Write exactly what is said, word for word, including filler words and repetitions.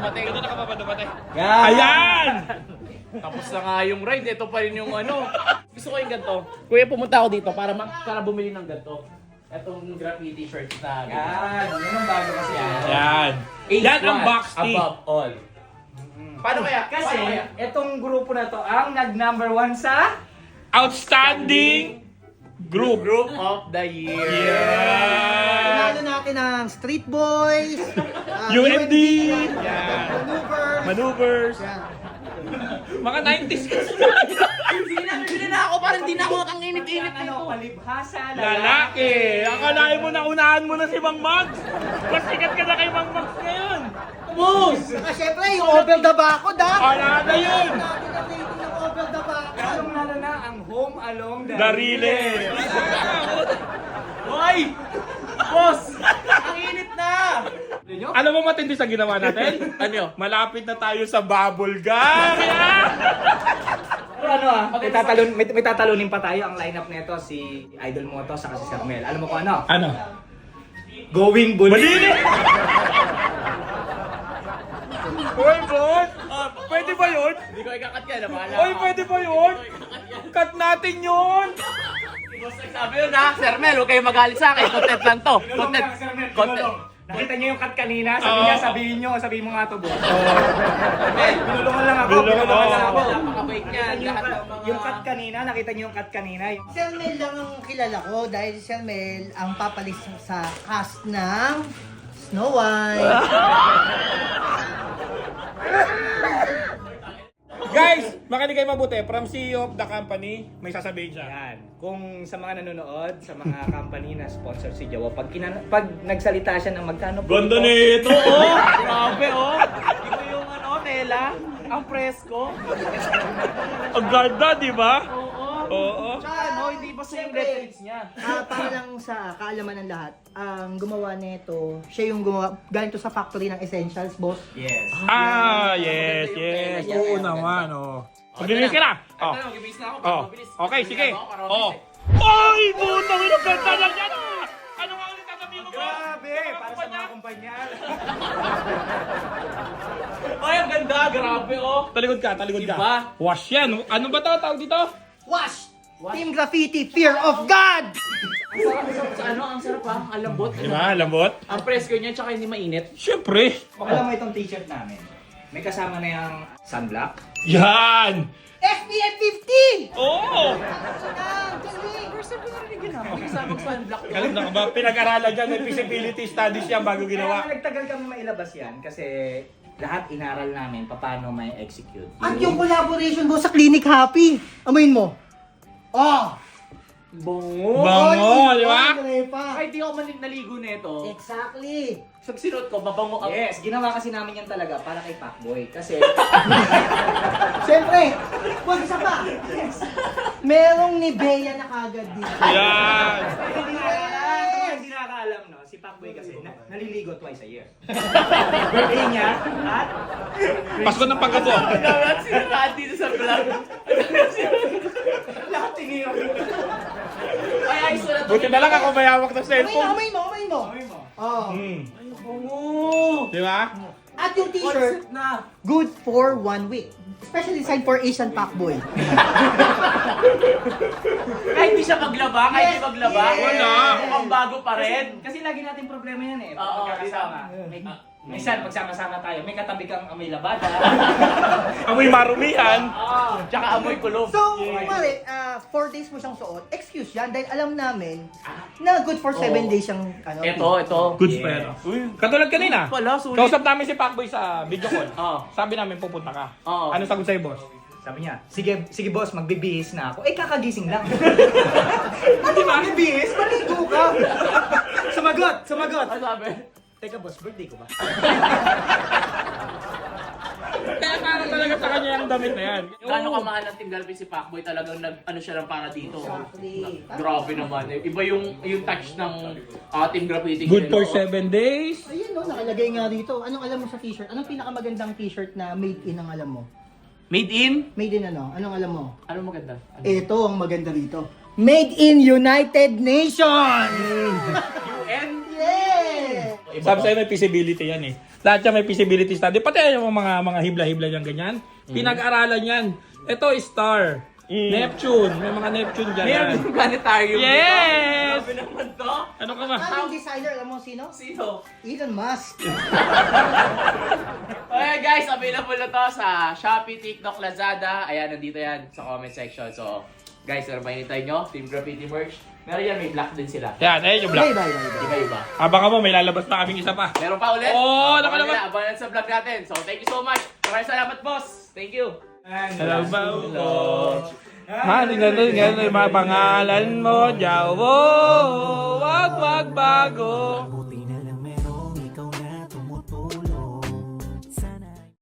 dumating. Ganun na ka pa ba dumating? Yan! Ayan! Tapos na nga yung ride, ito pa rin yung ano. Gusto ko yung ganito. Kuya, pumunta ako dito para ma- para bumili ng ganito. Itong graffiti shirt na Yan, yun ang bago kasi. Yan. Yan. Eight Yan ang watts box tea. above all. Paano kaya? Kasi, Paano kaya? itong grupo na to ang nag-number one sa... Outstanding group. Group of the year. Yeah. Panalo natin ang Street Boys, uh, U M D. Yan. Yan. Maneuvers. Maneuvers. Yan. Mga nineties kasi. Sige na, sige na ako. Parang di na ako ang init-init Ano, nito. palibhasa, Lalaki. Akalain mo na unahan mo na si Mang Mags. Mas sikat ka na kay Mang Mags ngayon. Boss! Saka syempre, yung Over the Bacod, ha? Wala na yun. Natin ang rating ng Over the Bacod. Lalong lalo na ang Home Along the Darile. Hoy! Boss! Ang init na! Alam mo matindi sa ginawa natin? Ano? Malapit na tayo sa bubble gum. Yeah. Pero ano ah, may, tatalon, may, may tatalunin pa tayo. Ang lineup nito si Idol Moto saka si Sir Mel. Alam mo kung ano? Ano? Going Bully. Malili! Uy, boss! Ah, pwede ba yun? Hindi ko ikakat yan. Bahala Uy, ka. pwede ba yun? Cut natin yun! Boss, nagsabi yun ha. Sir Mel, huwag kayong magalit sa akin. Content lang to. Tinulong Content. lang, Sir Mel, Content. tinulong. Nakita niyo yung cut kanina? Sabi Oo. niya, sabihin niyo, sabihin mo nga to, boss. Mel, Tinulungan lang ako, Tinulungan tinulungan lang ako. ako. napaka-fake niyan. Nakita niyo Lahat yung, ng cut- mga... yung cut kanina, nakita niyo yung cut kanina. Yung- Sir Mel lang ang kilala ko dahil si Sir Mel ang papalis sa cast ng Snow White. Guys, makinig kayo mabuti. From C E O of the company, may sasabihin siya. Yan. Kung sa mga nanonood, sa mga company na sponsor si Jawa, pag, kinan- pag nagsalita siya ng magkano po Ganda ito, nito, oh! Grabe oh. Ito yung ano, Nela. Ang presko. Ang ganda, di ba? Oo. Oo. Tsaka ano, hindi pa sa yung letters niya. Ah, para lang sa kaalaman ng lahat, ang gumawa nito, siya yung gumawa, galing to sa factory ng Essentials, boss. Yes. Ah, yes, yes. Oo naman, oh. Magbibis ka na. Oh. Ito na, mag-ibis na ako. Oh. Mabilis. Okay, sige. Ako, para Oh. mabilis Ay, butang ina, ganda na yan, ah! Ano nga ulit sasabihin mo ba? Grabe! Para sa mga kumpanya. eh. Ay, ang ganda. Grabe oh. Talikod ka, talikod ka. Diba? Wash yan. Ano ba ito? Tawag dito? Wash! Team Graffiti, Fear of God! Ang sarap, ang sarap sa ano, ang sarap ha. Ang lambot. Diba? Lambot? Ang presko niya, tsaka hindi mainit. Siyempre. Alam mo itong t-shirt namin. May kasama na yung sunblock. Yan! F P F fifty! Oo! First time ko narinig yun ha. Magkasamang sunblock yun. Kalim na ka ba? Pinag-aralan dyan. May feasibility studies yan bago Kaya ginawa. nga nagtagal kami mailabas yan kasi lahat inaral namin paano may execute. At yung collaboration mo sa Clinic Happy, amoyin mo. Oh! Bongo. Bango, di ba? pa. Kahit di ako manig naligo nito, Exactly. pag sinuot ko, mabango ang... Yes, ginawa kasi namin yan talaga para kay Pacboy. Kasi Siyempre, huwag isa pa. Merong Nivea na kagad dito. Yan! hindi nakakaalam, hindi nakakaalam no, si Pacboy kasi na, naliligo twice a year. Birthday niya at Pasko ng pagkapo. Dapat sinarahan dito sa vlog. lahat tinira. Ay, ayos na to. Buti na lang ako may hawak ng Amoy mo, cellphone. amoy mo, amoy mo. Sabi mo, Oh. Hmm. Bongo. Di ba? At yung t-shirt, Concept na. good for one week. Especially designed for Asian Pacboy. Kahit di siya maglaba, kahit di Yes, maglaba. yes. Wala. Mukhang bago pa kasi, rin. kasi lagi natin problema yan eh. Oo, Pagkakasama. May, minsan pagsama-sama tayo, may katabi kang amoy labada. Amoy marumihan. Ah, tsaka amoy kulog. So, kumari, uh, four days mo siyang suot, excuse yan dahil alam namin na good for seven Oo. days siyang ano. Ito, ito. Good Yes. pero. Uy, katulad kanina. Wala, sulit. Kausap namin si Pacboy sa video call. Oo. Sabi namin pupunta ka. Oo. Ano sagot sa'yo, boss? Sabi niya, sige, sige boss, magbibihis na ako. Eh, kakagising lang. Ano magbibihis? Maligo ka. Sumagot, sumagot. Ano sabi? Teka boss, birthday ko ba? Kaya parang talaga sa kanya yung damit na yan. Gano'ng kamahal ang Team Galvin si Pacboy, talagang nag, ano siya lang para dito. Exactly. Grabe naman. eh. Iba yung yung touch ng uh, Team Graffiti. Good for Oh. seven days. Ayun no, nakalagay nga dito. Anong alam mo sa t-shirt? Anong pinakamagandang t-shirt na made in ang alam mo? Made in? Made in ano? Anong alam mo? Ano maganda? Ano? Ito ang maganda dito. Made in United Nations! U N? Yeah! Iba Sabi sa'yo may feasibility yan eh. Lahat yan may feasibility study. Pati yung mga mga hibla-hibla yan ganyan. Pinag-aralan yan. Ito star. Neptune. May mga Neptune dyan. Meron yan. yung planetarium Yes! dito. Grabe naman to. Ano ka ba? Aming designer, alam mo sino? Sino? Elon Musk. Okay guys, available na to sa Shopee, TikTok, Lazada. Ayan, nandito yan sa comment section. So, guys, ano ba hinintay nyo? Team Graffiti merch. Meron yan, may black din sila. Yan, ayun yung Bye, black. bye, bye, bye. Iba-iba. Abangan mo, may lalabas pa kaming isa pa. Meron pa ulit? Oo, Abangan nakalabas. nila, Abangan sa vlog natin. So, thank you so much. Maraming salamat, boss. Thank you. Hello, Hello. Ha, tingnan mo, tingnan mo, yung mga pangalan mo, Jawo, wag wag bago.